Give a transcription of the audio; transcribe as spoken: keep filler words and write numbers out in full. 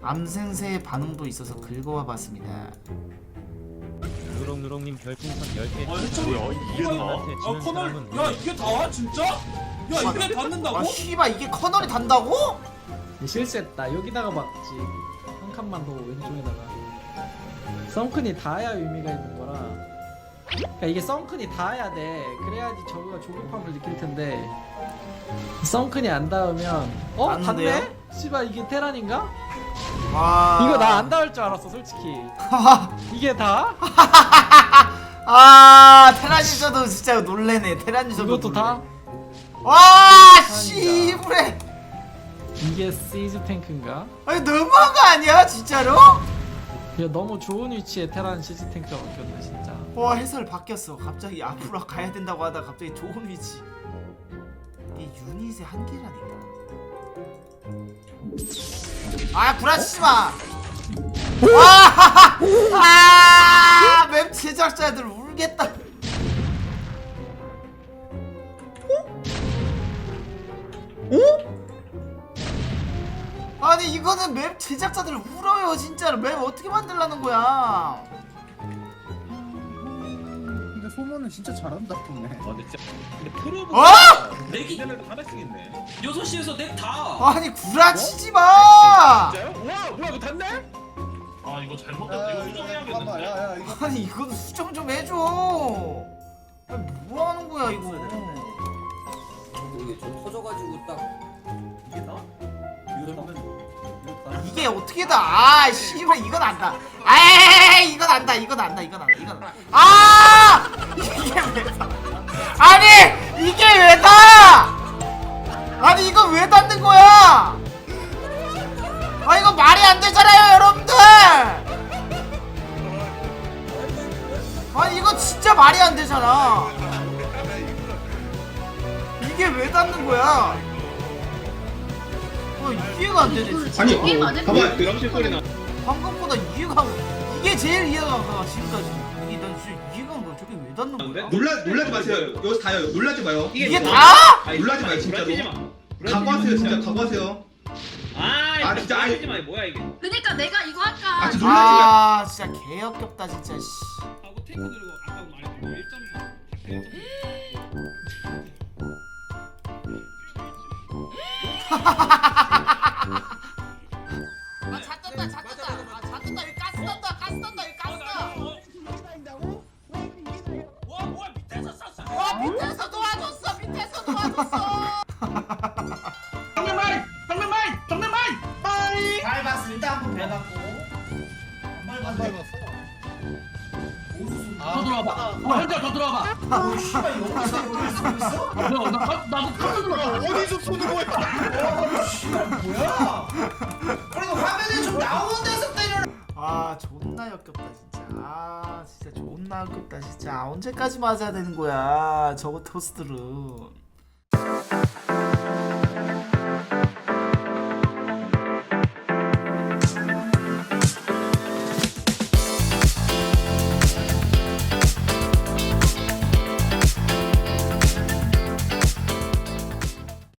암생새의 반응도 있어서 긁어와봤습니다. 누렁누렁님 별풍선 열 개. 아 진짜 뭐야 이게 나와? 아 커널 야 이게 다 진짜? 야 이게 닿는다고? 아 씨발 이게 커널이 단다고? 실수했다. 여기다가 막지. 한 칸만 더 왼쪽에다가. 썬큰이 닿아야 의미가 있는 거라. 그러니까 이게 썬큰이 닿아야 돼. 그래야지 저거가 조급함을 느낄 텐데. 썬큰이 안 닿으면 어? 닿는데요? 닿네? 씨발 이게 테란인가? 와 이거 나 안 닿을 줄 알았어 솔직히. 이게 다? 아 테라니저도 진짜 놀래네. 테라니저도 이것도 다? 와 씨부레. 이게 시즈 탱크인가? 아니 너무한 거 아니야 진짜로? 야 너무 좋은 위치에 테란 시즈 탱크가 바뀌었네 진짜. 와 해설 바뀌었어. 갑자기 앞으로 가야 된다고 하다 갑자기 좋은 위치. 이게 유닛의 한계라니까. 아 구라치지마. 와, 아, 맵 제작자들 울겠다. 아니 이거는 맵 제작자들 울어요 진짜로. 맵 어떻게 만들라는 거야? 근데 소모는 진짜 잘한다 보네. 아 근데 진짜 근데 프로브 어? 넥이 이제는 하나씩 있네. 여섯 시에서 넥다. 아니 구라치지 마. 진짜요? 와 뭐야 이거 닿네? 아 이거 잘못됐다. 이거 수정해야겠는데. 야야 이거 아니 이건 수정 좀 해줘. 아니 뭐 하는 거야 이거? 이게 좀 터져가지고 딱 이게 나? 이거 나면 이거 나. 이게 어떻게 다? 아 씨발 이건 안다. 아이 이건 안다. 이건 안다. 이건 안다. 이건 안다. 아 이게 왜 다? 아니 이게 왜 다? 아니 이거 왜 닿는 거야? 아 이거 말이 안 되잖아요 여러분들. 아니 이거 진짜 말이 안 되잖아. 이게 왜 닿는 거야? 어 이해가 안 되네 진짜. 아니 게임 안 했는데? 봐봐 드럼실 소리 나. 방금보다 이해가 안- 이게 제일 이해가 안 가. 지금까지 이게 난 진짜 이해가 안 가. 저게 왜 닿는 거야? 놀라 놀라지 마세요. 여기서 다요. 놀라지 마요. 이게 뭐- 다? 놀라지 마요 진짜로. 각오하세요 진짜 각오하세요. 아, 아, 진짜, 아니. 마 뭐야 이게? 그니까 내가 이거 할까? 아 진짜 놀라지 마요. 아 진짜 개역겹다 진짜 씨. 하고 탱크 들고 아까 말했던 일 점 사. 아자 떴다 자 떴다 아자 떴다 여기 가스 떴다 가스 떴다 여기 가스 떠. 와 뭐야 밑에서 쐈어. 와 밑에서 도와줬어 밑에서 도와줬어. 정면마이 정면마이 정면마이 마이. 밟았어 일단 한번 밟았고. 안 밟았어. 더 들어와봐. 뭐 현자 더 들어와봐. 아 씨발 여기서 이걸 쓰고 있어? 뭐야 나 나- 나도 깜짝 놀랐어. 어디서 쏘는 거야? 어 씨발 뭐야? 그래도 화면에 좀 나오는 데서 때려. 아 존나 역겹다 진짜. 아 진짜 존나 역겹다 진짜. 언제까지 맞아야 되는 거야 저거 토스트를.